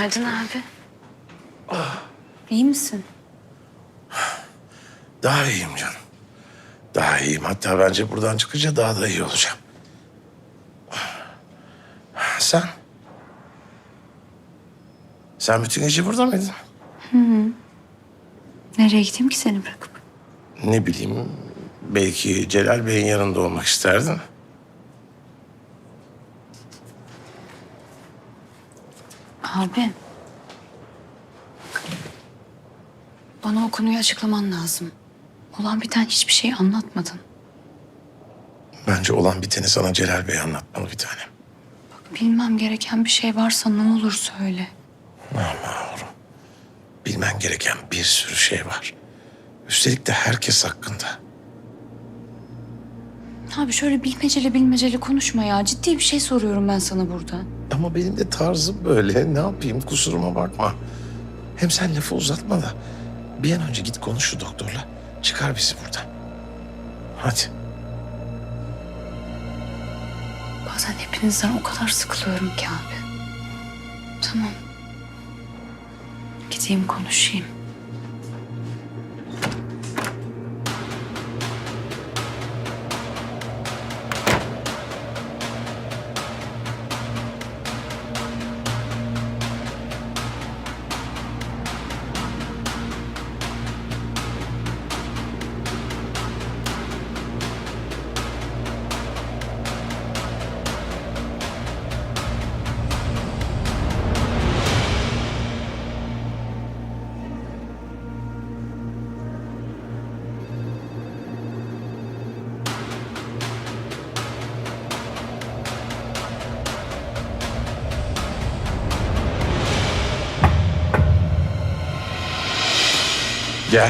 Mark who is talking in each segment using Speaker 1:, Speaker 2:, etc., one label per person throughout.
Speaker 1: Günaydın abi. İyi misin?
Speaker 2: Daha iyiyim canım. Daha iyiyim. Hatta bence buradan çıkınca daha da iyi olacağım. Sen? Sen bütün gece burada mıydın?
Speaker 1: Nereye gideyim ki seni bırakıp?
Speaker 2: Ne bileyim, belki Celal Bey'in yanında olmak isterdin.
Speaker 1: Abi. Bana o konuyu açıklaman lazım. Olan biten hiçbir şey anlatmadın.
Speaker 2: Bence olan biteni sana Celal Bey anlatmalı bir tanem.
Speaker 1: Bilmem gereken bir şey varsa ne olur söyle.
Speaker 2: Yavrum, bilmen gereken bir sürü şey var. Üstelik de herkes hakkında.
Speaker 1: Abi şöyle bilmeceli konuşma ya. Ciddi bir şey soruyorum ben sana burada.
Speaker 2: Ama benim de tarzım böyle. Ne yapayım, kusuruma bakma. Hem sen lafı uzatma da bir an önce git konuş şu doktorla. Çıkar bizi buradan. Hadi.
Speaker 1: Bazen hepinizden o kadar sıkılıyorum ki abi. Tamam. Gideyim konuşayım.
Speaker 2: Gel.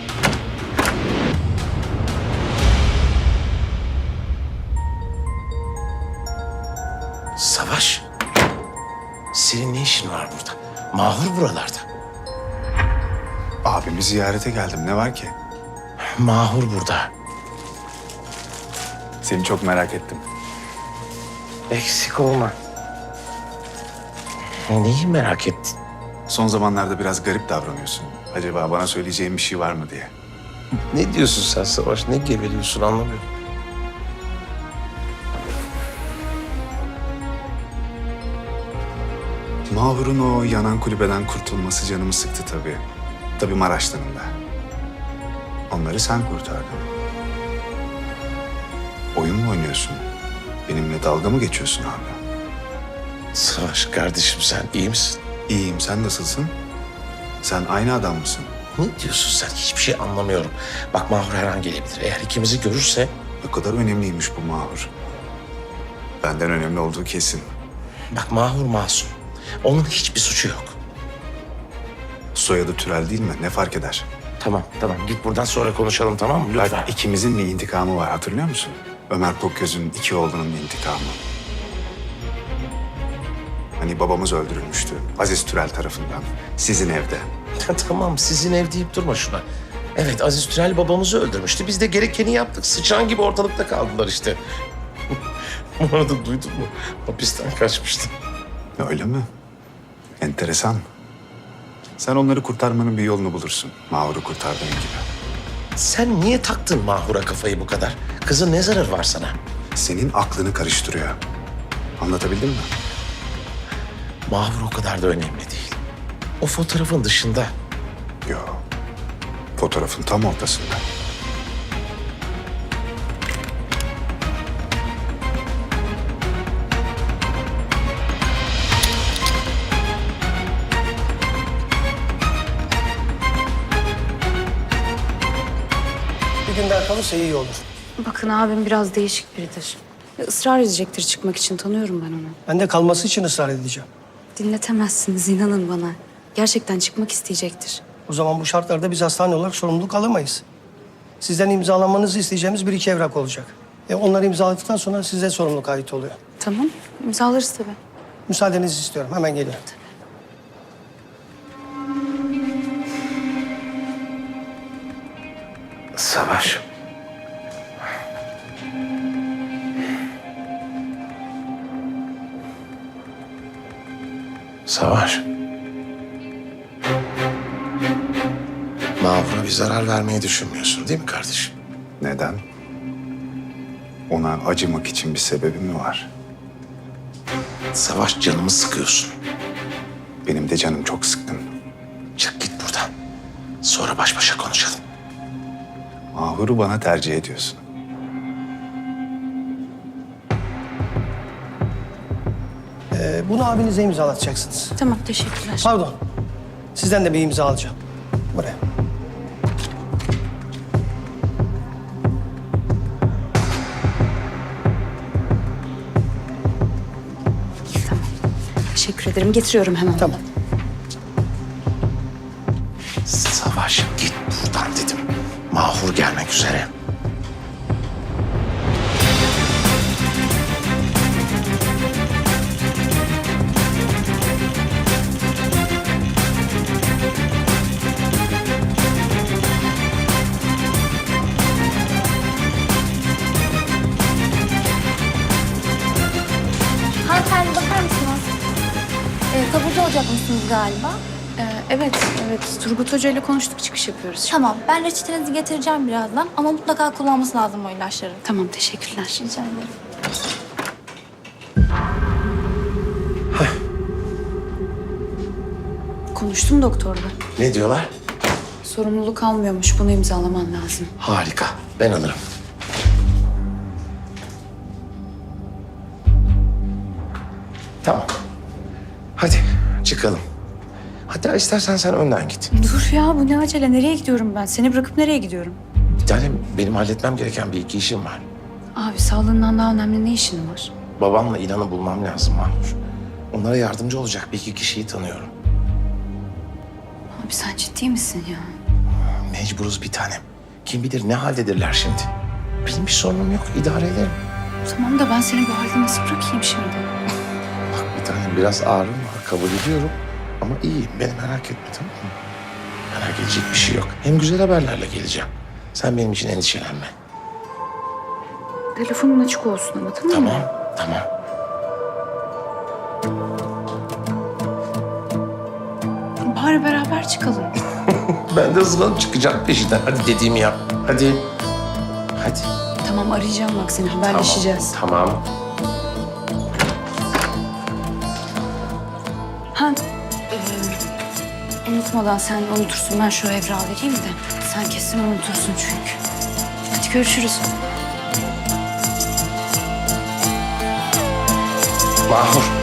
Speaker 2: Savaş. Senin ne işin var burada? Mahur buralarda.
Speaker 3: Abimi ziyarete geldim. Ne var ki?
Speaker 2: Mahur burada.
Speaker 3: Seni çok merak ettim.
Speaker 2: Eksik olma. Neyi merak ettin?
Speaker 3: Son zamanlarda biraz garip davranıyorsun. Acaba bana söyleyeceğin bir şey var mı diye.
Speaker 2: Ne diyorsun sen Savaş? Ne geveliyorsun anlamıyorum.
Speaker 3: Mahur'un o yanan kulübeden kurtulması canımı sıktı tabii. Tabii Maraş'tanın da. Onları sen kurtardın. Oyun mu oynuyorsun? Benimle dalga mı geçiyorsun abi?
Speaker 2: Savaş kardeşim sen iyi misin?
Speaker 3: İyiyim, sen nasılsın? Sen aynı adam mısın?
Speaker 2: Ne diyorsun sen? Hiçbir şey anlamıyorum. Bak Mahur her an gelebilir. Eğer ikimizi görürse...
Speaker 3: Ne kadar önemliymiş bu Mahur. Benden önemli olduğu kesin.
Speaker 2: Bak Mahur masum. Onun hiçbir suçu yok.
Speaker 3: Soyadı Türel değil mi? Ne fark eder?
Speaker 2: Tamam git buradan sonra konuşalım tamam mı? Lütfen.
Speaker 3: Bak, ikimizin bir intikamı var, hatırlıyor musun? Ömer Kokgöz'ün iki oğlunun intikamı. Hani babamız öldürülmüştü Aziz Türel tarafından. Sizin evde.
Speaker 2: Tamam sizin ev deyip durma şuna. Evet Aziz Türel babamızı öldürmüştü. Biz de gerekeni yaptık. Sıçan gibi ortalıkta kaldılar işte. Bu arada duydun mu? Hapisten kaçmıştı.
Speaker 3: Öyle mi? Enteresan. Sen onları kurtarmanın bir yolunu bulursun. Mahur'u kurtardığın gibi.
Speaker 2: Sen niye taktın Mahur'a kafayı bu kadar? Kızın ne zararı var sana?
Speaker 3: Senin aklını karıştırıyor. Anlatabildim mi?
Speaker 2: Mahur o kadar da önemli değil. O fotoğrafın dışında.
Speaker 3: Yo. Fotoğrafın tam ortasında.
Speaker 4: Bir gün daha kalırsa iyi olur.
Speaker 1: Bakın abim biraz değişik biridir. Israr edecektir çıkmak için. Tanıyorum ben onu.
Speaker 4: Ben de kalması için ısrar edeceğim.
Speaker 1: Dinletemezsiniz inanın bana. Gerçekten çıkmak isteyecektir.
Speaker 4: O zaman bu şartlarda biz hastane olarak sorumluluk alamayız. Sizden imzalamanızı isteyeceğimiz bir iki evrak olacak. Onları imzaladıktan sonra size sorumluluk ait oluyor.
Speaker 1: Tamam, imzalarız tabii.
Speaker 4: Müsaadenizi istiyorum. Hemen geliyorum.
Speaker 2: Savaş. Savaş. Tabii zarar vermeyi düşünmüyorsun değil mi kardeşim?
Speaker 3: Neden? Ona acımak için bir sebebi mi var?
Speaker 2: Savaş, canımı sıkıyorsun.
Speaker 3: Benim de canım çok sıkkın.
Speaker 2: Çık git buradan. Sonra baş başa konuşalım.
Speaker 3: Mahur'u bana tercih ediyorsun.
Speaker 4: Bunu abinize imzalatacaksınız.
Speaker 1: Tamam, teşekkürler.
Speaker 4: Pardon. Sizden de bir imza alacağım. Buraya.
Speaker 1: Tamam. Teşekkür ederim. Getiriyorum hemen.
Speaker 4: Tamam.
Speaker 2: Savaş, git buradan dedim. Mahur gelmek üzere.
Speaker 5: Hanımefendi bakar mısınız? Taburcu olacakmışsınız galiba.
Speaker 1: Evet. Turgut Hoca ile konuştuk, çıkış yapıyoruz.
Speaker 5: Tamam, ben reçetenizi getireceğim birazdan ama mutlaka kullanması lazım o ilaçları.
Speaker 1: Tamam, teşekkürler.
Speaker 5: Rica ederim.
Speaker 1: Konuştum doktorla.
Speaker 2: Ne diyorlar?
Speaker 1: Sorumluluk almıyormuş. Bunu imzalaman lazım.
Speaker 2: Harika. Ben alırım. Tamam. Hadi çıkalım. Hatta istersen sen önden git.
Speaker 1: Dur ya, bu ne acele? Nereye gidiyorum ben? Seni bırakıp nereye gidiyorum?
Speaker 2: Bir tane benim halletmem gereken bir iki işim var.
Speaker 1: Abi, sağlığından daha önemli ne işin var?
Speaker 2: Babamla İlhan'ı bulmam lazım Mahmur. Onlara yardımcı olacak bir iki kişiyi tanıyorum.
Speaker 1: Abi sen ciddi misin ya?
Speaker 2: Mecburuz bir tanem. Kim bilir ne haldedirler şimdi. Benim bir sorunum yok. İdare ederim.
Speaker 1: Tamam da ben seni bu halde nasıl bırakayım şimdi?
Speaker 2: Bak bir tanem biraz ağrım var. Kabul ediyorum. Ama iyiyim. Beni merak etme, tamam mı? Merak edecek bir şey yok. Hem güzel haberlerle geleceğim. Sen benim için endişelenme.
Speaker 1: Telefonun açık olsun ama, tamam mı?
Speaker 2: Tamam.
Speaker 1: Bari beraber çıkalım.
Speaker 2: Ben de hızlanıp çıkacağım peşinden. Hadi dediğimi yap. Hadi.
Speaker 1: Tamam, arayacağım bak seni, haberleşeceğiz.
Speaker 2: Tamam.
Speaker 1: Ha, unutmadan sen unutursun. Ben şu evrağı vereyim de. Sen kesin unutursun çünkü. Hadi görüşürüz.
Speaker 2: Mahur.